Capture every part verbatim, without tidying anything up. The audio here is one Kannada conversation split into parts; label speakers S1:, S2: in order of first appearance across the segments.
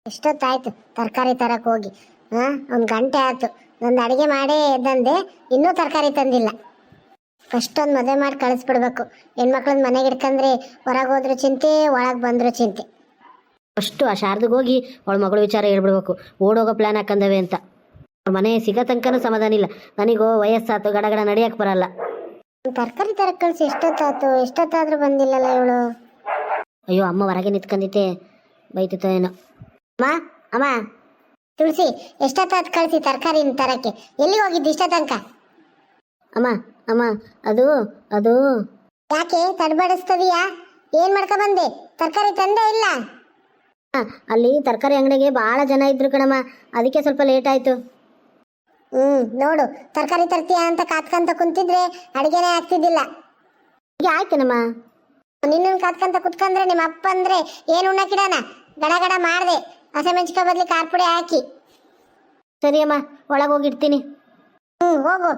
S1: ಎಷ್ಟೊತ್ತಾಯ್ತು ತರಕಾರಿ ತರಕ್ಕೆ ಹೋಗಿ. ಹಾ, ಒಂದು ಗಂಟೆ ಆಯ್ತು. ಒಂದು ಅಡಿಗೆ ಮಾಡೇ ಎದ್ದಂದೆ, ಇನ್ನೂ ತರಕಾರಿ ತಂದಿಲ್ಲ. ಫಸ್ಟ್ ಒಂದು ಮದುವೆ ಮಾಡಿ ಕಳಿಸ್ಬಿಡ್ಬೇಕು. ಹೆಣ್ಮಕ್ಳನ್ನ ಮನೆಗೆ ಇಟ್ಕೊಂಡ್ರೆ ಹೊರಗೆ ಹೋದ್ರು ಚಿಂತೆ, ಒಳಗೆ ಬಂದ್ರು ಚಿಂತೆ.
S2: ಫಸ್ಟು ಆ ಶಾರದಿಗೆ ಹೋಗಿ ಅವಳ ಮಗಳು ವಿಚಾರ ಹೇಳ್ಬಿಡ್ಬೇಕು, ಓಡೋಗೋ ಪ್ಲ್ಯಾನ್ ಹಾಕಂದವೆ ಅಂತ. ಅವ್ರ ಮನೆ ಸಿಗೋ ತನಕನೂ ಸಮಾಧಾನ ಇಲ್ಲ. ನನಗೂ ವಯಸ್ಸಾತು, ಗಡಗಡ ನಡಿಯಕ್ಕೆ ಬರಲ್ಲ.
S1: ತರಕಾರಿ ತರಕ್ಕೆ ಕಳಿಸಿ ಎಷ್ಟೊತ್ತಾಯ್ತು, ಎಷ್ಟೊತ್ತಾದ್ರೂ ಬಂದಿಲ್ಲಲ್ಲ ಇವಳು.
S2: ಅಯ್ಯೋ, ಅಮ್ಮ ಹೊರಗೆ ನಿಂತ್ಕೊಂಡಿದ್ದೆ, ಬೈತಿತ್ತೋ ಏನೋ. ಅಮ್ಮ ಅಮ್ಮ
S1: ತುಳಸಿ, ಎಷ್ಟೊತ್ತಾಯ್ತು ಕಳಿಸಿ ತರಕಾರಿ ತರಕ್ಕೆ? ಎಲ್ಲಿಗೆ ಹೋಗಿದ್ದು ಇಷ್ಟ ತನಕ?
S2: ಅಮ್ಮ ಅಮ್ಮ ಅದು ಅದು
S1: ಯಾಕೆ ತಡಬಡಿಸ್ತದೀಯಾ? ಏನ್ ಮಾಡ್ಕೊ ಬಂದೆ? ತರಕಾರಿ ತಂದೆ ಇಲ್ಲ?
S2: ಅಲ್ಲಿ ತರಕಾರಿ ಅಂಗಡಿಗೆ ಭಾಳ ಜನ ಇದ್ರು ಕಣಮ್ಮ, ಅದಕ್ಕೆ ಸ್ವಲ್ಪ ಲೇಟ್ ಆಯ್ತು.
S1: ಹ್ಮ್ ನೋಡು, ತರಕಾರಿ ತರ್ತೀಯ ಅಂತ ಕಾತ್ಕಂತ ಕುಂತಿದ್ರೆ ಅಡಿಗೆನೇ ಆಗ್ತಿದ್ದಿಲ್ಲ.
S2: ಈಗ ಆಯ್ತೇನಮ್ಮ.
S1: ನಿನ್ನ ಕಾತ್ಕಂತ ಕುತ್ಕೊಂಡ್ರೆ ನಿಮ್ಮ ಅಪ್ಪ ಅಂದ್ರೆ ಏನು ಉಣ್ಣಕ್ಕಿಡಾನ? ಗಡ ಗಡ ಮಾಡ್ದೆ, ಹಸಿಮೆಣಸಿಕಾಯಿ ಬದ್ಲಿ ಖಾರ ಪುಡಿ ಹಾಕಿ.
S2: ಸರಿ ಅಮ್ಮ, ಒಳಗೆ ಹೋಗಿಡ್ತೀನಿ.
S1: ಹ್ಮ್ ಹೋಗು.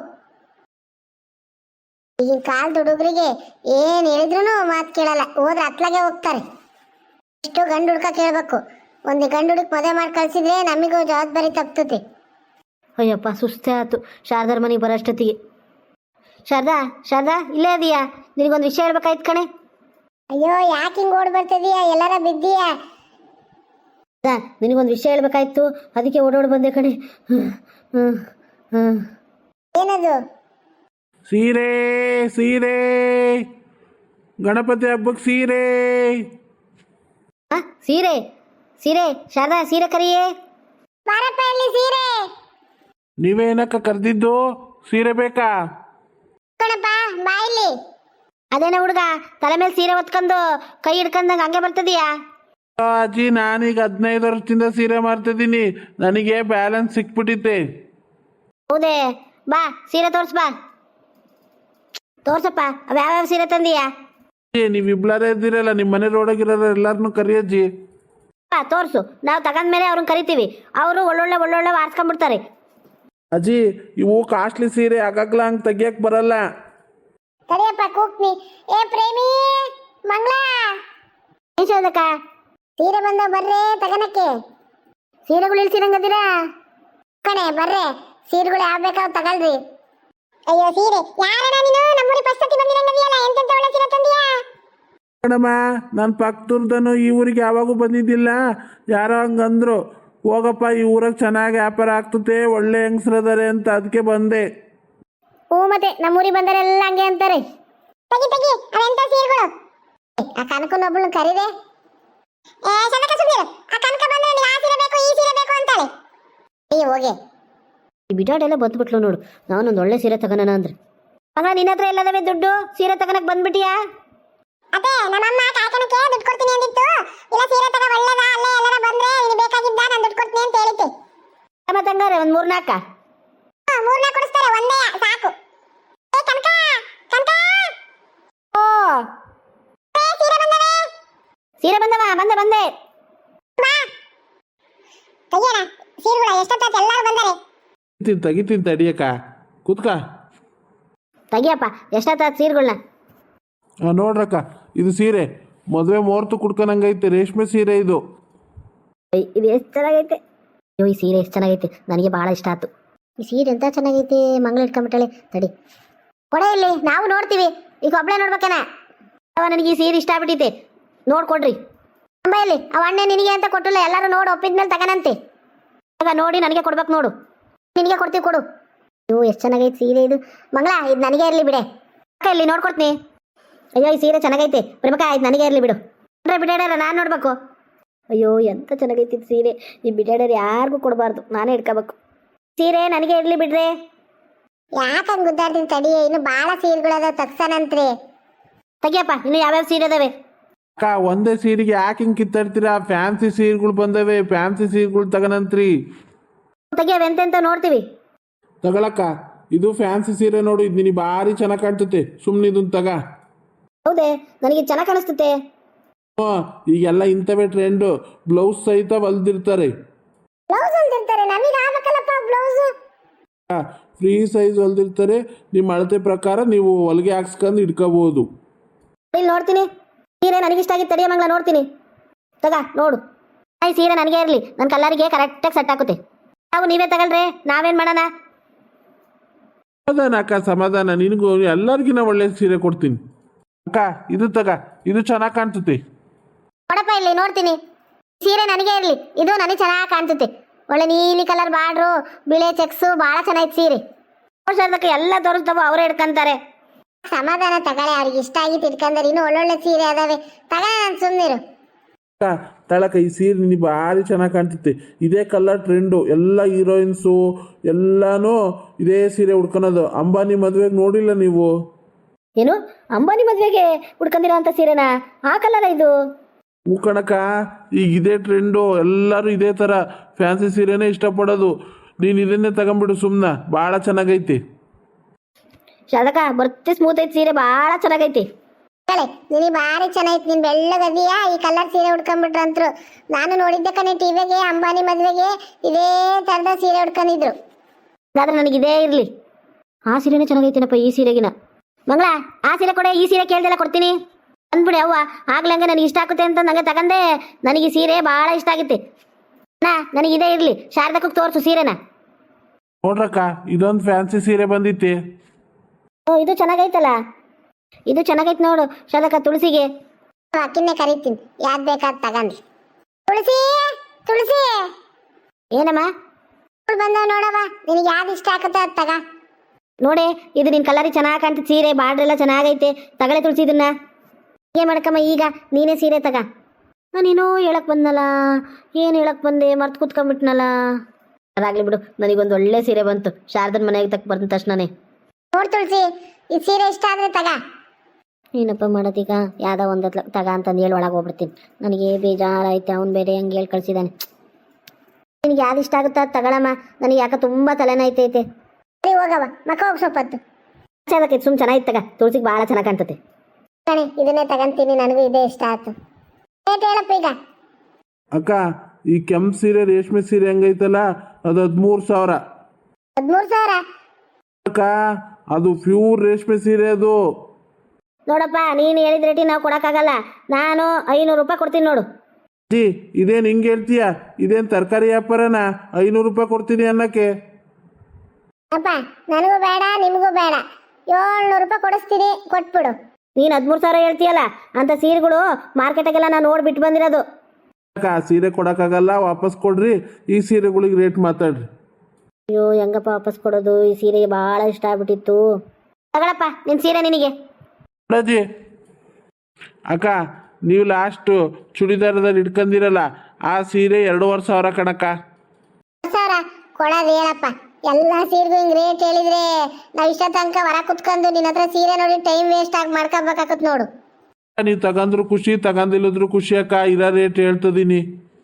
S1: ಈಗಿನ ಕಾಲದ ಹುಡುಗರಿಗೆ ಏನ್ ಹೇಳಿದ್ರು ಮಾತು ಕೇಳಲ್ಲ, ಹೋದ್ರೆ ಅತ್ಲಾಗೆ ಹೋಗ್ತಾರೆ. ಎಷ್ಟು ಗಂಡು ಹುಡ್ಕ ಕೇಳ್ಬೇಕು. ಒಂದು ಗಂಡು ಹುಡುಕ್ ಮದುವೆ ಮಾಡಿ ಕಳ್ಸಿದ್ರೆ ನಮಿಗೂ ಜವಾಬ್ದಾರಿ ತಪ್ತತಿ.
S2: ಅಯ್ಯಪ್ಪ, ಸುಸ್ತೇ ಆಯ್ತು ಶಾರದಾರ ಮನೆಗೆ ಬರೋಷ್ಟೊತ್ತಿಗೆ. ಶಾರದಾ ಶಾರದಾ ಇಲ್ಲೇ ಅದೀಯಾ? ನಿನಗೊಂದು ವಿಷಯ ಹೇಳ್ಬೇಕಾಯ್ತು ಕಣೆ.
S1: ಅಯ್ಯೋ, ಯಾಕೆ ಹಿಂಗೆ ಓಡ್ ಬರ್ತಿದೀಯಾ? ಎಲ್ಲಾರ ಬಿದ್ದೀಯಾ?
S2: ನಿನಗೊಂದು ವಿಷಯ ಹೇಳ್ಬೇಕಾಯ್ತು, ಅದಕ್ಕೆ ಓಡೋಡ್ ಬಂದೆ ಕಣೆ. ಹ್ಮ್ ಹ್ಮ್
S1: ಏನದು?
S3: ಸೀರೆ ಸೀರೆ ಗಣಪತಿ ಹಬ್ಬಕ್ಕೆ ಸೀರೆ.
S2: ಹಾ, ಸೀರೆ ಸೀರೆ ಶಾರದಾ, ಸೀರೆ ಕರಿಯೇ.
S1: ಬಾರಪ್ಪ, ಇಲ್ಲಿ ಸೀರೆ.
S3: ನೀವೇನಕ್ಕ ಕರೆದಿದ್ದು? ಸೀರೆ ಬೇಕಾ?
S1: ಕಣಪ್ಪ, ಬಾ ಇಲ್ಲಿ.
S2: ಅದೇನ ಹುಡುಗ ತಲೆ ಮೇಲೆ ಸೀರೆ ಹೊತ್ಕೊಂಡು ಕೈ ಹಿಡ್ಕೊಂಡಂಗೆ ಹಂಗೆ ಬರ್ತದೀಯಾ?
S3: ಅಜ್ಜಿ, ನಾನೀಗ ಹದಿನೈದು ವರ್ಷದಿಂದ ಸೀರೆ ಮಾರ್ತಿದ್ದೀನಿ, ನನಗೆ ಬ್ಯಾಲೆನ್ಸ್ ಸಿಕ್ಬಿಟ್ಟಿತ್ತೆ.
S2: ಹೌದೇ? ಬಾ ಸೀರೆ ತೋರ್ಸ್, ಬಾ ತೋರ್ಸಪ್ಪ. ಅವ ಯಾವ್ಯಾವ ಸೀರೆ ತಂದೀಯಾ?
S3: ನೀವು ಇಬ್ಲಾರೇ ಇದ್ದೀರಲ್ಲ, ನಿಮ್ಮ ಮನೆ ರೋಡಾಗಿರೋರು ಎಲ್ಲಾರನ್ನೂ ಕರಿಯಜ್ಜಿ.
S2: ಬಾ ತೋರ್ಸು, ನಾವು ತಗೊಂಡ್ಮೇಲೆ ಅವ್ರನ್ನ ಕರಿತೀವಿ. ಅವರು ಒಳ್ಳೊಳ್ಳೆ ಒಳ್ಳೊಳ್ಳೆ ವಾರ್ಸ್ಕೊಂಡ್ಬಿಡ್ತಾರೆ.
S3: ಅಜ್ಜಿ, ಇವು ಕಾಸ್ಟ್ಲಿ ಸೀರೆ, ಆಗಾಗ್ಲ ಹಂಗೆ ತೆಗಿಯಕ್ಕೆ ಬರಲ್ಲ.
S1: ತಡಿಯಪ್ಪ, ಕೂಗ್ನಿ. ಏ ಪ್ರೇಮಿ, ಮಂಗಳ,
S2: ಏನ್ ಶಾರದಕ್ಕ?
S1: ಸೀರೆ ಬಂದ ಬರ್ರೆ ತಗನಕ್ಕೆ.
S2: ಸೀರೆಗಳು ಇಳ್ಸಿರಂಗದಿರಾ
S1: ಕಣೆ, ಬರ್ರೆ ಸೀರೆಗಳು ಯಾವ ಬೇಕಾವ್ ತಗಲ್ರಿ. ಅಯ್ಯೋ ಸೀರೆ ಯಾರಣ್ಣ ನೀನು? ನಮ್ಮೂರಿ ಪಸ್ತತಿ ಬಂದಿರಂಗದಿಯಲ್ಲ, ಎಂತೆಂತ ಒಳ್ಳೆ ಸೀರೆ ತಂದಿಯಾ?
S3: ಮೇಡಮ್ಮ, ನಾನು ಪಕ್ಕದೂರ್ದನು ಈ ಊರಿಗೆ ಯಾವಾಗೂ ಬಂದಿದ್ದಿಲ್ಲ. ಯಾರೋ ಹಂಗಂದ್ರು, ಹೋಗಪ್ಪ ಈ ಊರಾಗ ಚೆನ್ನಾಗಿ ವ್ಯಾಪಾರ ಆಗ್ತತೆ, ಒಳ್ಳೆ ಹೆಂಗಸ್ರದಾರೆ ಅಂತ, ಅದಕ್ಕೆ ಬಂದೆ.
S1: ಹ್ಞೂ, ಮತ್ತೆ ನಮ್ಮೂರಿಗೆ ಬಂದರೆಲ್ಲ ಹಂಗೆ ಅಂತಾರೆ. ತೆಗಿ ತೆಗಿ, ಅವೆಂತ ಸೀರೆಗಳು? ಆ ಕನಕನ ಒಬ್ಬಳನ್ನ ಕರೀದೆ. ಏ ಚಂದಕ, ಸುಮ್ಮನೆ ಆ ಕನಕ ಬಂದ್ರೆ ನಿನಗೆ ಆ ಸೀರೆ ಬೇಕು, ಈ ಸೀರೆ ಬೇಕು ಅಂತಾಳೆ. ಅಯ್ಯೋ ಹೋಗೆ.
S2: ಈ ಬಿಡಾಡೆಲ್ಲ ಬಂದ್ಬಿಟ್ಲು ನೋಡು. ನಾನೊಂದು ಒಳ್ಳೆ ಸೀರೆ ತಗೋಣ ಅಂದ್ರೆ. ಆಗ ನಿನ್ನ ಹತ್ರ ಎಲ್ಲದವೆ ದುಡ್ಡು? ಸೀರೆ ತಗೋಣಕ್ ಬಂದ್ಬಿಟ್ಟಿಯಾ?
S1: ಅದೇ ನಮ್ಮಮ್ಮ ಕಾಯ್ಕನಕ್ಕೆ ದುಡ್ಡು ಕೊಡ್ತೀನಿ ಅಂದಿತ್ತು. ಇಲ್ಲ ಸೀರೆ ತಗ ಒಳ್ಳೇದ, ಅಲ್ಲೇ ಎಲ್ಲರ ಬಂದ್ರೆ ನಿನಗೆ ಬೇಕಾಗಿದ್ದ ನಾನು ದುಡ್ಡು ಕೊಡ್ತೀನಿ ಅಂತ ಹೇಳಿದ್ದೆ.
S2: ಮತ್ತೆ ಹಂಗಾರೆ ಒಂದು ಮೂರ್ನಾಲ್ಕ
S1: ಮೂರ್ನ ಕೊಡಿಸ್ತಾರೆ, ಒಂದೇ ಸಾಕು. ಏ ಕನಕ, ಕನಕ,
S2: ಓ
S1: ಸೀರೆ ಬಂದವೆ.
S2: ಸೀರೆ ಬಂದವ, ಬಂದೆ ಬಂದೆ.
S1: ಬಾ ತೆಗಿಯೋಣ ಸೀರೆಗಳ. ಎಷ್ಟೊತ್ತಾಯ್ತು ಎಲ್ಲರೂ ಬಂದರೆ.
S3: ತಿನ್ ತೆಗಿತೀನಿ ತಡಿಯಕ್ಕ, ಕೂತ್ಕ.
S2: ತೆಗಿಯಪ್ಪ, ಎಷ್ಟೊತ್ತಾಯ್ತು ಸೀರೆಗಳನ್ನ?
S3: ಹಾಂ ನೋಡ್ರಕ್ಕ, ಇದು ಸೀರೆ ಮದುವೆ ಮುಹೂರ್ತ ಕುಡ್ಕೊಂಡಂಗೈತೆ, ರೇಷ್ಮೆ ಸೀರೆ ಇದು.
S2: ಇದು ಎಷ್ಟು ಚೆನ್ನಾಗೈತೆ. ಅಯ್ಯೋ, ಈ ಸೀರೆ ಎಷ್ಟು ಚೆನ್ನಾಗೈತೆ, ನನಗೆ ಭಾಳ ಇಷ್ಟ ಆಯ್ತು. ಈ ಸೀರೆ ಎಂತ ಚೆನ್ನಾಗೈತೆ. ಮಂಗಳ ಇಟ್ಕೊಂಬಿಟ್ಟಾಳೆ. ತಡಿ ಕೊಡೆ ಇಲ್ಲಿ, ನಾವು ನೋಡ್ತೀವಿ. ಈಗ ಒಬ್ಬಳೇ ನೋಡ್ಬೇಕೇನ? ಅವ ನನಗೆ ಈ ಸೀರೆ ಇಷ್ಟ ಆಗ್ಬಿಟ್ಟೈತೆ, ನೋಡ್ಕೊಡ್ರಿ. ಅಮ್ಮ ಇಲ್ಲಿ ಅವ ಅಣ್ಣ ನಿನಗೆ ಅಂತ ಕೊಟ್ಟಿಲ್ಲ, ಎಲ್ಲರೂ ನೋಡಿ ಒಪ್ಪಿದ್ಮೇಲೆ ತಗನಂತೆ. ಆಗ ನೋಡಿ ನನಗೆ ಕೊಡ್ಬೇಕು ನೋಡು. ನಿನಗೆ ಕೊಡ್ತೀವಿ, ಕೊಡು. ಅಯ್ಯೋ, ಎಷ್ಟು ಚೆನ್ನಾಗೈತೆ ಸೀರೆ ಇದು. ಮಂಗಳ, ಇದು ನನಗೆ ಇರಲಿ ಬಿಡೆ. ಅಕ್ಕ ಇಲ್ಲಿ ನೋಡ್ಕೊಡ್ತೀನಿ. ಅಯ್ಯೋ, ಈ ಸೀರೆ ಚೆನ್ನಾಗೈತೆ. ಪ್ರೇಮಕ್ಕ, ಇದು ನನಗೆ ಇರಲಿ ಬಿಡು. ಅಂದರೆ ಬಿಡಾಡಲ್ಲ, ನಾನು ನೋಡ್ಬೇಕು. ಅಯ್ಯೋ, ಎಂತ ಚೆನ್ನಾಗೈತಿ ಸೀರೆ. ಈ ಬಿಡಾಡರ್ ಯಾರಿಗೂ ಕೊಡಬಾರ್ದು, ನಾನೇ ಇಟ್ಕೋಬೇಕು. ಸೀರೆ ನನಗೆ ಇರಲಿ ಬಿಡ್ರೆ.
S1: ಯಾಕಂಗೆ ಗುದ್ದಾಡ್ತೀನಿ ತಡಿ, ಇನ್ನು ಭಾಳ ಸೀರೆಗಳದ ತಗ್ಸನಂತ್ರಿ.
S2: ತೆಗಿಯಪ್ಪ, ಇನ್ನು ಯಾವ್ಯಾವ ಸೀರೆ ಅದಾವೆ?
S3: ಅಕ್ಕ, ಒಂದೇ ಸೀರೆಗೆ ಯಾಕೆ ಹಿಂಗೆ ಕಿತ್ತಾಡ್ತೀರಾ? ಫ್ಯಾನ್ಸಿ ಸೀರೆಗಳು ಬಂದವೆ, ಫ್ಯಾನ್ಸಿ ಸೀರೆಗಳು ತಗನಂತ್ರಿ.
S2: ತೆಗಿಯವೆ ಎಂತೆಂತ ನೋಡ್ತೀವಿ.
S3: ತಗೊಳಕ್ಕ, ಇದು ಫ್ಯಾನ್ಸಿ ಸೀರೆ ನೋಡು, ಇದು ನಿನಗೆ ಭಾರಿ ಚೆನ್ನಾಗಿ ಕಾಣ್ತತೆ. ಸುಮ್ಮನೆ ಇದನ್ನ ತಗ.
S2: ಹೌದೇ? ನನಗೆ ಚೆನ್ನಾಗಿ ಕಾಣಿಸ್ತತೆ.
S3: ಹ್ಞೂ, ಈಗೆಲ್ಲ ಇಂಥವೇ ಟ್ರೆಂಡು. ಬ್ಲೌಸ್ ಸಹಿತ ಹೊಲ್ದಿರ್ತಾರೆ.
S1: ಬ್ಲೌಸ್ ಹೊಲ್ದಿರ್ತಾರೆ, ನಮಗೆ ಆಗ್ಬೇಕಲ್ಲಪ್ಪ ಬ್ಲೌಸ್.
S3: ಫ್ರೀ ಸೈಜ್ ಹೊಲ್ದಿರ್ತಾರೆ. ನಿಮ್ಮ ಅಳತೆ ಪ್ರಕಾರ ನೀವು ಹೊಲಿಗೆ ಹಾಕ್ಸ್ಕೊಂಡು ಇಟ್ಕೋಬಹುದು.
S2: ಇಲ್ಲಿ ನೋಡ್ತೀನಿ ಸೀರೆ, ನನಗಿಷ್ಟ ಆಗಿತ್ತು. ತಡಿಯ ಮಂಗಳ, ನೋಡ್ತೀನಿ. ತಗ ನೋಡು. ಈ ಸೀರೆ ನನಗೆ ಇರಲಿ, ನನ್ನ ಕಲ್ಲರಿಗೆ ಕರೆಕ್ಟಾಗಿ ಸೆಟ್ ಆಗುತ್ತೆ. ನಾವು ನೀವೇ ತಗೊಳ್ರಿ, ನಾವೇನು ಮಾಡೋಣ?
S3: ಸಮಾಧಾನ ಅಕ್ಕ, ಸಮಾಧಾನ. ನಿನಗೂ ಎಲ್ಲರಿಗಿನ ಒಳ್ಳೆ ಸೀರೆ ಕೊಡ್ತೀನಿ ಅಕ್ಕ. ಇದು ತಗ, ಇದು ಚೆನ್ನಾಗಿ ಕಾಣ್ತತೆ.
S2: ಕೊಡಪ್ಪ ಇಲ್ಲಿ ನೋಡ್ತೀನಿ. ಸೀರೆ ನನಗೆ ಇರಲಿ, ಇದು ನನಗೆ ಚೆನ್ನಾಗಿ ಕಾಣ್ತೈತಿ. ಒಳ್ಳೆ ನೀಲಿ ಕಲರ್ ಬಾರ್ಡ್ರು, ಬಿಳೆ ಚೆಕ್ಸು, ಭಾಳ ಚೆನ್ನಾಗಿತ್ತು ಸೀರೆ. ಅದಕ್ಕೆ ಎಲ್ಲ ತೋರಿಸ್ತಾವ, ಅವರೇ ಹಿಡ್ಕೊಂತಾರೆ.
S1: ಸಮಾಧಾನ ತಗೊಳ್ಳಿ, ಅವ್ರಿಗೆ ಇಷ್ಟ ಆಗಿತ್ತು ಇಟ್ಕೊಂಡ್ರೆ. ಇನ್ನೂ ಒಳ್ಳೊಳ್ಳೆ ಸೀರೆ ಅದಾವೆ, ತಗೊಳ್ಳಿ, ನಾನು ಸುಮ್ಮನಿರು.
S3: ಅಕ್ಕ ತಳಕ, ಈ ಸೀರೆ ನಿನಗೆ ಭಾರಿ ಚೆನ್ನಾಗಿ ಕಾಣ್ತೈತೆ. ಇದೇ ಕಲರ್ ಟ್ರೆಂಡು. ಎಲ್ಲ ಹೀರೋಯಿನ್ಸು ಎಲ್ಲಾನು ಇದೇ ಸೀರೆ ಉಡ್ಕೊಳೋದು. ಅಂಬಾನಿ ಮದುವೆಗೆ ನೋಡಿಲ್ಲ ನೀವು?
S2: ಏನು ಅಂಬಾನಿ ಮದುವೆಗೆ ಉಡ್ಕೊಂಡಿರೋ ಅಂತ ಸೀರೆನಾ? ಆ ಕಲರ ಇದು?
S3: ಹೂ ಕಣಕ, ಈಗ ಇದೇ ಟ್ರೆಂಡು. ಎಲ್ಲರೂ ಇದೇ ಥರ ಫ್ಯಾನ್ಸಿ ಸೀರೆನೇ ಇಷ್ಟಪಡೋದು. ನೀನು ಇದನ್ನೇ ತಗೊಂಬಿಡು ಸುಮ್ಮನೆ, ಭಾಳ ಚೆನ್ನಾಗೈತಿ.
S2: ಶಾದಕ ಬರ್ತಿ ಸ್ಮೂತ್ ಐತಿ ಸೀರೆ, ಭಾಳ ಚೆನ್ನಾಗೈತಿ.
S1: ಹೇಳಿ, ನಿನಗೆ ಭಾರಿ ಚೆನ್ನಾಗಿತ್ತು. ನೀನು ಬೆಳ್ಳಗದಿಯಾ, ಈ ಕಲರ್ ಸೀರೆ ಉಡ್ಕೊಂಡ್ಬಿಟ್ರಂತ್ರು. ನಾನು ನೋಡಿದ್ದೆ ಕಣೆ ಟಿವಿಗೆ, ಅಂಬಾನಿ ಮದುವೆಗೆ ಇದೇ ಥರದ ಸೀರೆ ಉಡ್ಕೊಂಡಿದ್ರು.
S2: ಹಾಗಾದ್ರೆ ನನಗೆ ಇದೇ ಇರಲಿ. ಆ ಸೀರೆನೇ ಚೆನ್ನಾಗೈತಿನಪ್ಪ ಈ ಸೀರೆಗಿನ. ಮಂಗಳ, ಆ ಸೀರೆ ಕೊಡೆ, ಈ ಸೀರೆ ಕೇಳ್ದೆಲ್ಲ ಕೊಡ್ತೀನಿ ಅಂದ್ಬಿಡಿ. ಅವ್ವ ಆಗ್ಲಂಗೆ ನನಗೆ ಇಷ್ಟ ಆಗುತ್ತೆ ಅಂತ ನಂಗೆ ತಗಂದೆ. ನನಗೆ ಈ ಸೀರೆ ಭಾಳ ಇಷ್ಟ ಆಗಿತ್ತು. ನಾ ನನಗೆ ಇದೇ ಇರಲಿ. ಶಾರದಕ್ಕೂ ತೋರಿಸು ಸೀರೆನ.
S3: ನೋಡ್ರಕ್ಕ, ಇದೊಂದು ಫ್ಯಾನ್ಸಿ ಸೀರೆ ಬಂದಿತ್ತೆ.
S2: ಓ, ಇದು ಚೆನ್ನಾಗೈತಲ್ಲ. ಇದು ಚೆನ್ನಾಗೈತೆ ನೋಡು ಶಾರದಕ್ಕ. ತುಳಸಿಗೆ
S1: ಅಕ್ಕಿನ್ನೇ ಕರಿತೀನಿ, ಯಾವ್ದು ಬೇಕಾದ್ ತಗಂಡಿ. ತುಳಸಿ, ತುಳಸಿ,
S2: ಏನಮ್ಮ?
S1: ಅವಳು ಬಂದವ ನೋಡವ, ನಿನಗೆ ಯಾವ್ದು ಇಷ್ಟ ಆಗುತ್ತೆ ಅದು ತಗ.
S2: ನೋಡೆ, ಇದು ನಿನ್ನ ಕಲರಿ ಚೆನ್ನಾಗಿ ಕಾಣ್ತದೆ ಸೀರೆ, ಬಾರ್ಡ್ರೆಲ್ಲ ಚೆನ್ನಾಗೈತೆ. ತಗಳೆ ತುಳಸಿ ಇದನ್ನ. ಏನು ಮಾಡಕ್ಕಮ್ಮ, ಈಗ ನೀನೇ ಸೀರೆ ತಗ. ನಾನೇನೋ ಹೇಳಕ್ ಬಂದಲ್ಲ, ಏನು ಹೇಳಕ್ ಬಂದೆ, ಮರ್ತು ಕೂತ್ಕೊಂಡ್ಬಿಟ್ನಲ್ಲ. ಅದಾಗ್ಲಿ ಬಿಡು, ನನಗೊಂದು ಒಳ್ಳೆ ಸೀರೆ ಬಂತು. ಶಾರದನ ಮನೆಗೆ ತಕ್ಕ ಬಂದ ತಕ್ಷಣನೇ.
S1: ನೋಡ್ ತುಳಸಿ, ಈ ಸೀರೆ ಇಷ್ಟ ಆದ್ರೆ ತಗ.
S2: ಏನಪ್ಪ ಮಾಡೋದೀಗ? ಯಾವುದೋ ಒಂದು ತಗ ಅಂತಂದು ಹೇಳಿ ಒಳಗೆ ಹೋಗ್ಬಿಡ್ತೀನಿ. ನನಗೆ ಬೇಜಾರಾಯ್ತು. ಅವ್ನು ಬೇರೆ ಹಂಗೆ ಹೇಳಿ ಕಳಿಸಿದ್ದಾನೆ. ನಿನಗೆ ಯಾವ್ದು ಇಷ್ಟ ಆಗುತ್ತೋ ಅದು ತಗೊಳಮ್ಮ. ನನಗೆ ಯಾಕೆ ತುಂಬ ತಲೆನೋಯ್ತೈತೆ.
S1: ಸರಿ ಹೋಗವ, ಮಕ್ಕ ಹೋಗಿ ಸ್ವಲ್ಪ ಹೊತ್ತು.
S2: ಅದಕ್ಕೆ ಸುಮ್ಮನೆ ಚೆನ್ನಾಗಿತ್ತು ತಗ. ತುಳಸಿಗೆ ಭಾಳ ಚೆನ್ನಾಗಿ ಕಾಣ್ತತೆ
S1: ಕಣೆ, ಇದನ್ನೇ ತಗಂತೀನಿ, ನನಗೂ ಇದೇ ಇಷ್ಟ ಆಯ್ತು. ರೇಟ್ ಹೇಳಪ್ಪ ಈಗ.
S3: ಅಕ್ಕ, ಈ ಕೆಂಪು ಸೀರೆ, ರೇಷ್ಮೆ ಸೀರೆ ಹೆಂಗೈತಲ್ಲ, ಅದು ಹದಿಮೂರು ಸಾವಿರ.
S1: ಹದಿಮೂರು ಸಾವಿರ?
S3: ಅಕ್ಕ, ಅದು ಪ್ಯೂರ್ ರೇಷ್ಮೆ ಸೀರೆ ಅದು.
S2: ನೋಡಪ್ಪ, ನೀನು ಹೇಳಿದ ರೇಟಿ ನಾವು ಕೊಡೋಕ್ಕಾಗಲ್ಲ. ನಾನು ಐನೂರು ರೂಪಾಯಿ ಕೊಡ್ತೀನಿ ನೋಡು.
S3: ಜಿ, ಇದೇನು ಹಿಂಗೆ ಹೇಳ್ತೀಯ? ಇದೇನು ತರಕಾರಿ ವ್ಯಾಪಾರನ ಐನೂರು ರೂಪಾಯಿ ಕೊಡ್ತೀನಿ ಅನ್ನಕ್ಕೆ?
S1: ಅಪ್ಪ, ನನಗೂ ಬೇಡ, ನಿಮಗೂ ಬೇಡ. ಏಳ್ನೂರು ರೂಪಾಯಿ ಕೊಡಿಸ್ತೀನಿ, ಕೊಟ್ಬಿಡು.
S2: ನೀನು ಹದಿಮೂರು ಸಾವಿರ ಹೇಳ್ತೀಯಲ್ಲ, ಅಂತ ಸೀರೆಗಳು ಮಾರ್ಕೆಟಾಗೆಲ್ಲ ನಾನು ನೋಡಿ ಬಿಟ್ಟು ಬಂದಿರೋದು.
S3: ಅಕ್ಕ, ಸೀರೆ ಕೊಡೋಕ್ಕಾಗಲ್ಲ, ವಾಪಸ್ ಕೊಡ್ರಿ. ಈ ಸೀರೆಗಳಿಗೆ ರೇಟ್ ಮಾತಾಡ್ರಿ.
S2: ಅಯ್ಯೋ, ಹೆಂಗಪ್ಪ ವಾಪಸ್ ಕೊಡೋದು? ಈ ಸೀರೆಗೆ ಭಾಳ ಇಷ್ಟ ಆಗ್ಬಿಟ್ಟಿತ್ತು. ತಗೊಳಪ್ಪ ನಿನ್ನ ಸೀರೆ ನಿನಗೆ.
S3: ಅಜ್ಜಿ, ಅಕ್ಕ, ನೀವು ಲಾಸ್ಟು ಚೂಡಿದಾರದಲ್ಲಿ ಇಟ್ಕೊಂಡಿರಲ್ಲ, ಆ ಸೀರೆ ಎರಡೂವರೆ ಸಾವಿರ ಕಣಕ್ಕ.
S1: ಸಾವಿರ ಕೊಡೋದು ಹೇಳಪ್ಪ. ಎಲ್ಲ ಸೀರೆಗೂ ಹಿಂಗೆ ರೇಟ್ ಹೇಳಿದ್ರೆ ನಾವು ಇಷ್ಟ ತನಕ ಹೊರ ಕುತ್ಕೊಂಡು ನಿನ್ನ ಹತ್ರ ಸೀರೆ ನೋಡಿ ಟೈಮ್ ವೇಸ್ಟ್ ಆಗಿ ಮಾಡ್ಕೋಬೇಕಾಗತ್ ನೋಡು.
S3: ನೀವು ತಗಂದ್ರು ಖುಷಿ, ತಗಂದಿಲ್ಲದ್ರು ಖುಷಿ ಅಕ್ಕ. ಇರೋ ರೇಟ್ ಹೇಳ್ತದೀನಿ.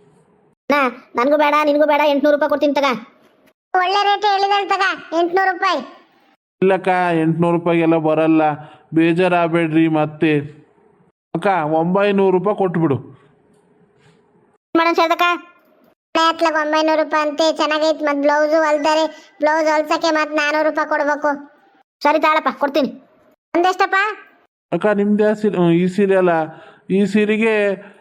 S2: ನಾ ನನಗೂ ಬೇಡ, ನಿನಗೂ ಬೇಡ. ಎಂಟುನೂರು ರೂಪಾಯಿ ಕೊಡ್ತೀನಿ ತಗ.
S1: ಒಳ್ಳೆ ರೇಟ್ ಹೇಳಿದ್ರೆ ತಗ, ಎಂಟುನೂರು ರೂಪಾಯಿ.
S3: ಇಲ್ಲಕ್ಕ, ಎಂಟುನೂರು ರೂಪಾಯಿಗೆಲ್ಲ ಬರಲ್ಲ, ಬೇಜಾರಾಗಬೇಡ್ರಿ ಮತ್ತೆ. ಅಕ್ಕ, ಒಂಬೈನೂರು ರೂಪಾಯಿ ಕೊಟ್ಬಿಡು.
S2: ಮಾಡೋಣ ಶಾರದಕ್ಕ.
S1: ಹತ್ಲಾಗ ಒಂಬೈನೂರು ರೂಪಾಯಿ ಅಂತೆ, ಚೆನ್ನಾಗೈತೆ. ಮತ್ತು ಬ್ಲೌಸು ಹೊಲ್ದಾರೆ, ಬ್ಲೌಸ್ ಹೊಲ್ಸಕ್ಕೆ ಮತ್ತೆ ನಾನ್ನೂರು ರೂಪಾಯಿ ಕೊಡ್ಬೇಕು.
S2: ಸರಿ ತಾಳಪ್ಪ, ಕೊಡ್ತೀನಿ.
S1: ಒಂದೆಷ್ಟಪ್ಪ?
S3: ಅಕ್ಕ, ನಿಮ್ದು ಯಾವ ಸೀರೆ? ಈ ಸೀರೆ ಅಲ್ಲ, ಈ ಸೀರೆಗೆ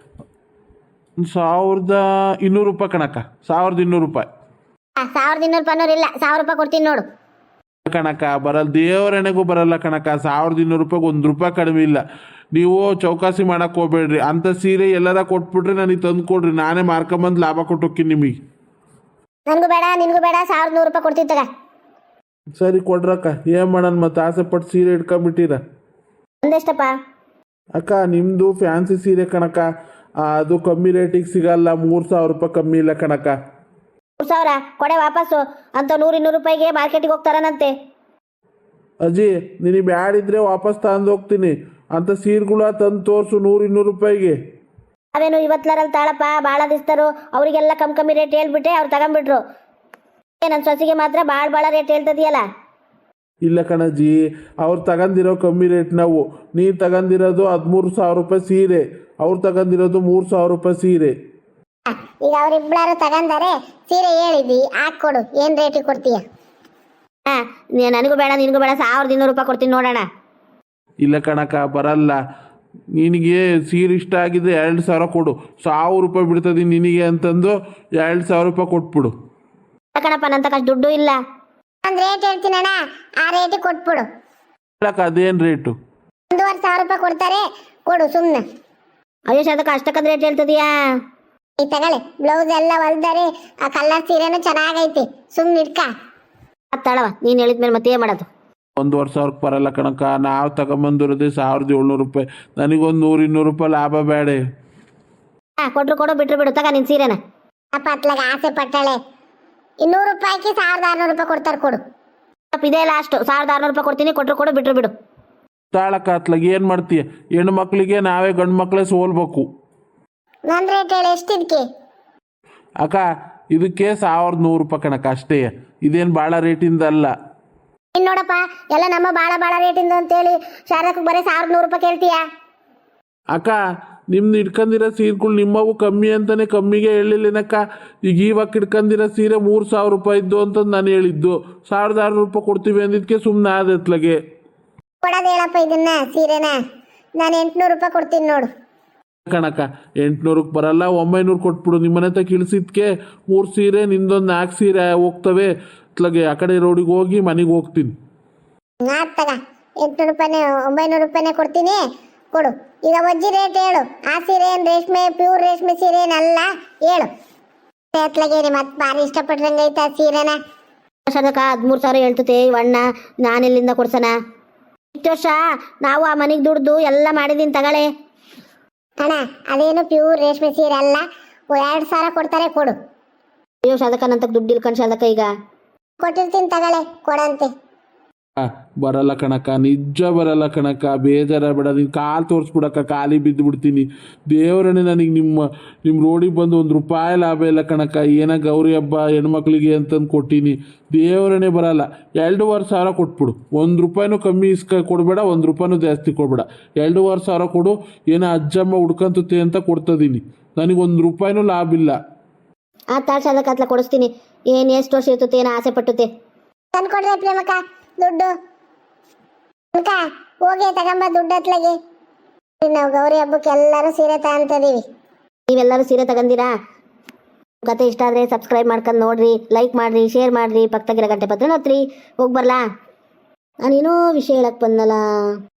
S3: ಸಾವಿರದ ಇನ್ನೂರು ರೂಪಾಯಿ ಕಣಕ್ಕ. ಸಾವಿರದ ಇನ್ನೂರು ರೂಪಾಯಿ
S1: ಸಾವಿರದ ಇನ್ನೂರು ರೂಪಾಯಿ ಇಲ್ಲ, ಸಾವಿರ ರೂಪಾಯಿ ಕೊಡ್ತೀನಿ ನೋಡು.
S3: ಕಣಕ್ಕ, ಬರಲ್ಲ. ದೇವರಣೆಗೂ ಬರಲ್ಲ ಕಣಕ್ಕ. ಸಾವಿರದ ಇನ್ನೂರು ರೂಪಾಯಿಗೆ ಒಂದು ರೂಪಾಯಿ ಕಡಿಮೆ ಇಲ್ಲ. ನೀವು ಚೌಕಾಸಿ ಮಾಡಕ್ಕೆ ಹೋಗ್ಬೇಡ್ರಿ. ಅಂಥ ಸೀರೆ ಎಲ್ಲಾರ ಕೊಟ್ಬಿಟ್ರೆ ನನಗೆ ತಂದು ಕೊಡ್ರಿ, ನಾನೇ ಮಾರ್ಕೊಂಬಂದು ಲಾಭ ಕೊಟ್ಟೋಕ್ಕಿನಿ ನಿಮಗೆ.
S1: ನನಗೂ ಬೇಡ, ನಿನಗೂ ಬೇಡ. ಸಾವಿರದ ನೂರು ರೂಪಾಯಿ ಕೊಡ್ತೀನಿ ತಗ.
S3: ಸರಿ ಕೊಡ್ರಕ್ಕ, ಏನು ಮಾಡೋಣ ಮತ್ತೆ? ಆಸೆ ಪಟ್ಟು ಸೀರೆ ಇಟ್ಕೊಂಬಿಟ್ಟಿರ.
S2: ಒಂದೆಷ್ಟಪ್ಪ?
S3: ಅಕ್ಕ, ನಿಮ್ಮದು ಫ್ಯಾನ್ಸಿ ಸೀರೆ ಕಣಕ್ಕ, ಅದು ಕಮ್ಮಿ ರೇಟಿಗೆ ಸಿಗಲ್ಲ. ಮೂರು ಸಾವಿರ ರೂಪಾಯಿ ಕಮ್ಮಿ ಇಲ್ಲ ಕಣಕ್ಕ.
S2: ಮೂರು ಸಾವಿರ ಕೊಡೆ ವಾಪಸ್ಸು. ಅಂತ ನೂರು ಇನ್ನೂರು ರೂಪಾಯಿಗೆ ಮಾರ್ಕೆಟಿಗೆ ಹೋಗ್ತಾರನಂತೆ.
S3: ಅಜ್ಜಿ, ನಿನಗೆ ಬ್ಯಾಡಿದ್ರೆ ವಾಪಸ್ ತಗೊಂಡು ಹೋಗ್ತೀನಿ. ಅಂಥ ಸೀರೆಗಳ ತಂದು ತೋರಿಸು ನೂರು ಇನ್ನೂರು ರೂಪಾಯಿಗೆ.
S2: ಅವೇನು ಇವತ್ತರಲ್ಲಿ ತಾಳಪ್ಪ, ಭಾಳ ದಿಸ್ತಾರು. ಅವರಿಗೆಲ್ಲ ಕಮ್ಮಿ ಕಮ್ಮಿ ರೇಟ್ ಹೇಳ್ಬಿಟ್ಟೆ, ಅವ್ರು ತಗೊಂಡ್ಬಿಟ್ರು. ನನ್ನ ಸೊಸೆಗೆ ಮಾತ್ರ ಭಾಳ ಭಾಳ ರೇಟ್ ಹೇಳ್ತದೆಯಲ್ಲ.
S3: ಇಲ್ಲ ಕಣಜ್ಜಿ, ಅವ್ರು ತಗೊಂಡಿರೋ ಕಮ್ಮಿ ರೇಟ್. ನಾವು ನೀನು ತಗೊಂಡಿರೋದು ಹದಿಮೂರು ಸಾವಿರ ರೂಪಾಯಿ ಸೀರೆ, ಅವ್ರು ತಗೊಂಡಿರೋದು ಮೂರು ಸಾವಿರ ರೂಪಾಯಿ ಸೀರೆ.
S1: ಈಗ ಅವರಿಬ್ಬರು ತಗಂದಾರೆ, ಸೀರೆ ಹೇಳಿದ್ವಿ, ಹಾಕ್ಕೊಡು. ಏನು ರೇಟಿಗೆ ಕೊಡ್ತೀಯ?
S2: ಹಾಂ, ನನಗೂ ಬೇಡ, ನಿನಗೂ ಬೇಡ. ಸಾವಿರದ ಇನ್ನೂರು ರೂಪಾಯಿ ಕೊಡ್ತೀನಿ ನೋಡೋಣ.
S3: ಇಲ್ಲ ಕಣಕ್ಕ, ಬರಲ್ಲ. ನಿನಗೆ ಸೀರೆ ಇಷ್ಟ ಆಗಿದ್ರೆ ಎರಡು ಸಾವಿರ ಕೊಡು, ಸಾವಿರ ರೂಪಾಯಿ ಬಿಡ್ತದೆ ನಿನಗೆ ಅಂತಂದು ಎರಡು ಸಾವಿರ ರೂಪಾಯಿ ಕೊಟ್ಬಿಡು.
S2: ಕಣಪ್ಪ ನನ್ನ ತಕ್ಕ ಅಷ್ಟ್ ದುಡ್ಡು ಇಲ್ಲ.
S1: ಒಂದು ರೇಟ್ ಹೇಳ್ತೀನಣ್ಣ, ಆ ರೇಟಿಗೆ ಕೊಟ್ಬಿಡು.
S3: ಹೇಳಕ್ಕ ಅದೇನು ರೇಟು?
S1: ಒಂದೂವರೆ ಸಾವಿರ ರೂಪಾಯಿ ಕೊಡ್ತಾರೆ, ಕೊಡು ಸುಮ್ಮನೆ.
S2: ಅಯ್ಯೋ ಶಾರದಕ್ಕ ಅಷ್ಟಕ್ಕಂದ್ ರೇಟ್ ಹೇಳ್ತದೀಯಾ?
S1: ಈ ತಗೊಳ್ಳಿ, ಬ್ಲೌಸ್ ಎಲ್ಲ ಹೊಲ್ದಾರೆ, ಆ ಕಲರ್ ಸೀರೆನೂ ಚೆನ್ನಾಗೈತಿ, ಸುಮ್ಮನೆ ಇಟ್ಕ.
S2: ತಳವ ನೀನು ಹೇಳಿದ್ಮೇಲೆ ಮತ್ತೆ ಏನು ಮಾಡೋದು?
S3: ಒಂದೂವರೆ ಸಾವಿರಕ್ಕೆ ಬರಲ್ಲ ಕಣಕ್ಕ, ನಾವು ತಗೊಂಬಂದಿರೋದೇ ಸಾವಿರದ ಏಳ್ನೂರು ರೂಪಾಯಿ, ನನಗೊಂದು ನೂರು ಇನ್ನೂರು ರೂಪಾಯಿ ಲಾಭ ಬೇಡ.
S2: ಹಾಂ ಕೊಟ್ರು ಕೊಡು, ಬಿಟ್ರು ಬಿಡು, ತಗ ನಿನ್ನ ಸೀರೆನ.
S1: ಅಪ್ಪ ಅತ್ಲಾಗ ಆಸೆ ಪಟ್ಟಾಳೆ, ಇನ್ನೂರು ರೂಪಾಯಿಗೆ ಸಾವಿರದ ಆರುನೂರು ರೂಪಾಯಿ ಕೊಡ್ತಾರೆ, ಕೊಡು.
S2: ಇದೇ ಲಾಸ್ಟು, ಸಾವಿರದ ಆರುನೂರು ರೂಪಾಯಿ ಕೊಡ್ತೀನಿ, ಕೊಟ್ರು ಕೊಡು, ಬಿಟ್ರು ಬಿಡು.
S3: ತಾಳಕ್ಕ ಅತ್ಲಾಗ ಏನು ಮಾಡ್ತೀಯ? ಹೆಣ್ಣು ಮಕ್ಕಳಿಗೆ ನಾವೇ ಗಂಡು ಮಕ್ಕಳೇ ಸೋಲ್ಬೇಕು.
S1: ನನ್ನ ರೇಟ್ ಹೇಳಿ, ಎಷ್ಟಿದ್ಕೆ?
S3: ಅಕ್ಕ ಇದಕ್ಕೆ ಸಾವಿರದ ನೂರು ರೂಪಾಯಿ ಕಣಕ್ಕ ಅಷ್ಟೇ, ಇದೇನು ಭಾಳ ರೇಟಿಂದ ಅಲ್ಲ.
S1: ಇನ್ನು ನೋಡಪ್ಪ, ಎಲ್ಲ ನಮ್ಮ ಭಾಳ ಭಾಳ ರೇಟಿಂದ ಅಂತೇಳಿ ಶಾರದಕ್ಕೆ ಬರೀ ಸಾವಿರದ ನೂರು ರೂಪಾಯಿ ಕೇಳ್ತೀಯ?
S3: ಅಕ್ಕ ನಿಮ್ದು ಇಟ್ಕೊಂಡಿರೋ ಸೀರೆಗಳು ನಿಮ್ಮವು ಕಮ್ಮಿ ಅಂತಾನೆ ಕಮ್ಮಿಗೆ ಹೇಳಿಲ್ಲನಕ್ಕ. ಈಗ ಇವಾಗ ಇಟ್ಕೊಂಡಿರೋ ಸೀರೆ ಮೂರು ಸಾವಿರ ರೂಪಾಯಿ ಇದ್ದು ಅಂತಂದು ನಾನು ಹೇಳಿದ್ದು, ಸಾವಿರದ ಆರುನೂರು ರೂಪಾಯಿ ಕೊಡ್ತೀವಿ ಅಂದಿದ್ದಕ್ಕೆ ಸುಮ್ಮನೆ ಆದ ಎತ್ಲಾಗೆ.
S1: ಕೊಡೋದು ಹೇಳಪ್ಪ ಇದನ್ನ ಸೀರೆನ, ನಾನು ಎಂಟುನೂರು ರೂಪಾಯಿ ಕೊಡ್ತೀನಿ ನೋಡು.
S3: ಕಣಕ್ಕ ಎಂಟುನೂರಕ್ಕೆ ಬರಲ್ಲ, ಒಂಬೈನೂರು ಕೊಟ್ಬಿಡು. ನಿಮ್ಮನೆ ಹತ್ರ ಇಳಿಸಿದ್ಕೆ ಮೂರು ಸೀರೆ ನಿಂದೊಂದು ನಾಲ್ಕು ಸೀರೆ ಹೋಗ್ತವೆ ಅತ್ಲಾಗೆ. ಆ ಕಡೆ ರೋಡಿಗೆ ಹೋಗಿ ಮನೆಗೆ ಹೋಗ್ತೀನಿ.
S1: ಆತ್ ತಗ, ಎಂಟುನೂರು ರೂಪಾಯಿನೇ ಒಂಬೈನೂರು ರೂಪಾಯಿನೇ ಕೊಡ್ತೀನಿ, ಕೊಡು. ಈಗ ವಜ್ಜಿ ರೇಟ್ ಹೇಳು, ಆ ಸೀರೆ ಏನು ರೇಷ್ಮೆ ಪ್ಯೂರ್ ರೇಷ್ಮೆ ಸೀರೆ ಏನಲ್ಲ, ಹೇಳು. ಎತ್ಲಾಗೇನಿ ಮತ್ತೆ ಭಾರಿ ಇಷ್ಟಪಟ್ರಂಗೈತೆ ಆ ಸೀರೆನ.
S2: ಶಾರದಕ್ಕ ಹದಿಮೂರು ಸಾವಿರ ಹೇಳ್ತತೆ ಇವಣ್ಣ, ನಾನೆಲ್ಲಿಂದ ಕೊಡ್ಸಣ? ಇಷ್ಟು ವರ್ಷ ನಾವು ಆ ಮನೆಗೆ ದುಡ್ದು ಎಲ್ಲ ಮಾಡಿದ್ದೀನಿ, ತಗೊಳ್ಳಿ.
S1: ಅಣ್ಣ ಅದೇನು ಪ್ಯೂರ್ ರೇಷ್ಮೆ ಸೀರೆ ಅಲ್ಲ, ಎರಡು ಸಾವಿರ ಕೊಡ್ತಾರೆ, ಕೊಡು.
S2: ಅಯ್ಯೋ ಶಾರದಕ್ಕ ನನ್ನ ದುಡ್ಡು ಇಲ್ಕೊಂಡು ಶಾರದಕ್ಕ ಈಗ
S1: ಕೊಟ್ಟಿರ್ತೀನಿ, ತಗೊಳ್ಳೆ, ಕೊಡಂತೆ.
S3: ಬರಲ್ಲ ಕಣಕ್ಕ, ನಿಜ ಬರಲ್ಲ ಕಣಕ್ಕ, ಬೇಜಾರ ಬೇಡ. ನೀನು ಕಾಲು ತೋರಿಸ್ಬಿಡಕ್ಕ, ಕಾಲಿ ಬಿದ್ದು ಬಿಡ್ತೀನಿ. ದೇವರನ್ನೇ ನನಗೆ ನಿಮ್ಮ ನಿಮ್ಮ ರೋಡಿಗೆ ಬಂದು ಒಂದು ರೂಪಾಯಿ ಲಾಭ ಇಲ್ಲ ಕಣಕ್ಕ. ಏನೋ ಗೌರಿ ಹಬ್ಬ ಹೆಣ್ಮಕ್ಳಿಗೆ ಅಂತಂದು ಕೊಟ್ಟೀನಿ, ದೇವರನ್ನೇ ಬರಲ್ಲ. ಎರಡೂವರೆ ಸಾವಿರ ಕೊಟ್ಬಿಡು, ಒಂದು ರೂಪಾಯಿನೂ ಕಮ್ಮಿ ಇಸ್ಕ ಕೊಡಬೇಡ, ಒಂದು ರೂಪಾಯಿನೂ ಜಾಸ್ತಿ ಕೊಡಬೇಡ. ಎರಡೂವರೆ ಸಾವಿರ ಕೊಡು, ಏನೋ ಅಜ್ಜಮ್ಮ ಹುಡ್ಕಂತತೆ ಅಂತ ಕೊಡ್ತಿದ್ದೀನಿ, ನನಗೆ ಒಂದು ರೂಪಾಯಿನೂ ಲಾಭ ಇಲ್ಲ.
S2: ಆ ತಾಳು ಶಾರದಕ್ಕ ಅತ್ಲ ಕೊಡಿಸ್ತೀನಿ. ಏನು ಎಷ್ಟು ವರ್ಷ ಇರ್ತತೆ, ಏನೋ ಆಸೆ ಪಟ್ಟುತ್ತೆ.
S1: ತಂದ್ಕೊಡ್ರೆ ಪ್ರೇಮಕ್ಕ ದುಡ್ಡು ಅಕ್ಕ, ಹೋಗಿ ತಗೊಂಬ ದುಡ್ಡು ಅತ್ಲಾಗೆ. ನಾವು ಗೌರಿ ಹಬ್ಬಕ್ಕೆ ಎಲ್ಲರೂ ಸೀರೆ ತಗೊಂತಿದೀವಿ.
S2: ನೀವೆಲ್ಲರೂ ಸೀರೆ ತಗೊಂಡಿರಾ? ಕತೆ ಇಷ್ಟ ಆದರೆ ಸಬ್ಸ್ಕ್ರೈಬ್ ಮಾಡ್ಕೊಂಡು ನೋಡ್ರಿ, ಲೈಕ್ ಮಾಡಿರಿ, ಶೇರ್ ಮಾಡಿರಿ, ಪಕ್ಕದಾಗಿರೋ ಗಂಟೆ ಪತ್ರ ನೋಡ್ರಿ. ಹೋಗಿ ಬರಲಾ? ನಾನೇನೋ ವಿಷಯ ಹೇಳಕ್ಕೆ ಬಂದಲ್ಲ.